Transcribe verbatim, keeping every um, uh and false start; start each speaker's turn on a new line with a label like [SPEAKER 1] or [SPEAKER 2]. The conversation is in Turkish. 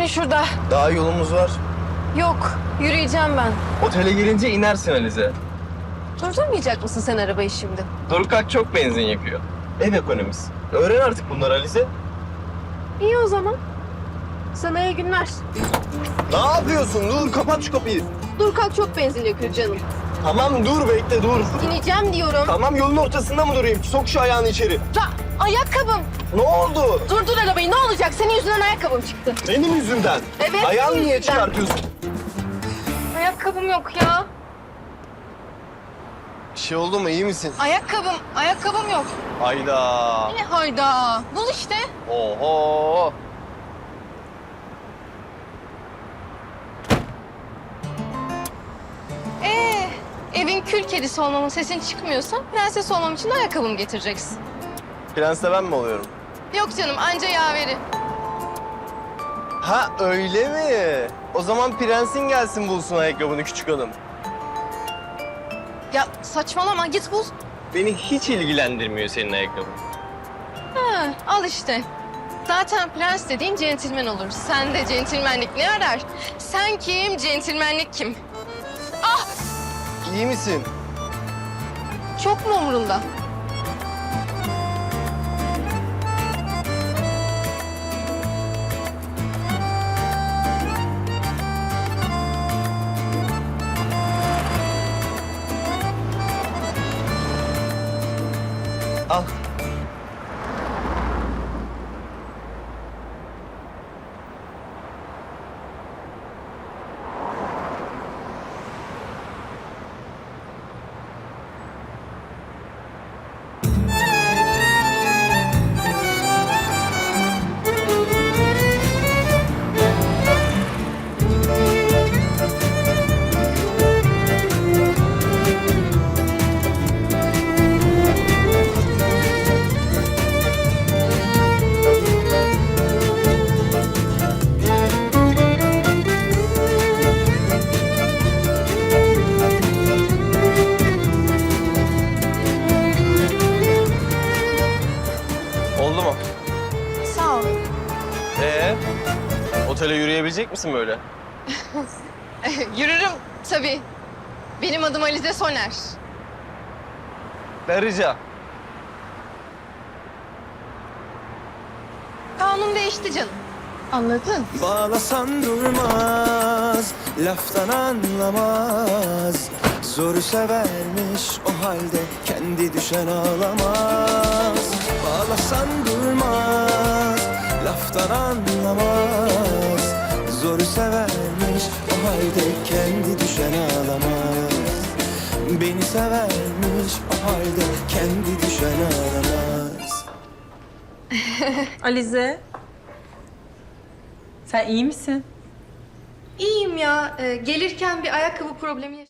[SPEAKER 1] şurada.
[SPEAKER 2] Daha yolumuz var.
[SPEAKER 1] Yok, yürüyeceğim ben.
[SPEAKER 2] Otele gelince inersin Alize.
[SPEAKER 1] Durdurmayacak mısın sen arabayı şimdi?
[SPEAKER 2] Dorukak çok benzin yakıyor. Ev ekonomisi. Öğren artık bunları Alize.
[SPEAKER 1] İyi o zaman. Sana iyi günler.
[SPEAKER 2] Ne yapıyorsun? Dur kapat şu kapıyı.
[SPEAKER 1] Dur kalk, çok benzin yakıyor canım.
[SPEAKER 2] Tamam dur bekle dur.
[SPEAKER 1] İneceğim diyorum.
[SPEAKER 2] Tamam yolun ortasında mı durayım? Sok şu ayağını içeri.
[SPEAKER 1] Ya, ayakkabım.
[SPEAKER 2] Ne oldu?
[SPEAKER 1] Durdur arabayı, ne olacak? Senin yüzünden ayakkabım çıktı.
[SPEAKER 2] Benim yüzümden.
[SPEAKER 1] Evet,
[SPEAKER 2] Ayağını
[SPEAKER 1] senin
[SPEAKER 2] niye
[SPEAKER 1] yüzünden.
[SPEAKER 2] çıkartıyorsun?
[SPEAKER 1] Ayakkabım yok ya.
[SPEAKER 2] Bir şey oldu mu? İyi misin?
[SPEAKER 1] Ayakkabım, ayakkabım yok.
[SPEAKER 2] Hayda.
[SPEAKER 1] Ne hayda? Bul işte.
[SPEAKER 2] Oho.
[SPEAKER 1] Ee, evin kül kedisi olmamın sesin çıkmıyorsa prenses olmam için de ayakkabımı getireceksin.
[SPEAKER 2] Prensle ben mi oluyorum?
[SPEAKER 1] Yok canım, anca yaveri.
[SPEAKER 2] Ha öyle mi? O zaman prensin gelsin bulsun ayakkabını küçük hanım.
[SPEAKER 1] Ya saçmalama, git bul.
[SPEAKER 2] Beni hiç ilgilendirmiyor senin ayakkabın.
[SPEAKER 1] Ha, al işte. Zaten prens dediğin centilmen olur. Sen de centilmenlik ne arar? Sen kim, centilmenlik kim? Ah,
[SPEAKER 2] İyi misin?
[SPEAKER 1] çok mu umurunda?
[SPEAKER 2] Al. Oldu mu?
[SPEAKER 1] Sağ ol.
[SPEAKER 2] Ee, otele yürüyebilecek misin böyle?
[SPEAKER 1] Yürürüm tabii. Benim adım Alize Soner.
[SPEAKER 2] Ben rica.
[SPEAKER 1] Kanun değişti canım. Anladın?
[SPEAKER 3] Bağlasan durmaz, laftan anlamaz. Zoru severmiş o halde kendi düşen ağlamaz. Bağlasan durmaz, laftan anlamaz. Zoru severmiş o halde kendi düşen ağlamaz. Beni severmiş o halde kendi düşen ağlamaz.
[SPEAKER 4] Alize. Sen iyi misin?
[SPEAKER 1] İyiyim ya. Ee, gelirken bir ayakkabı problemi yaşadım.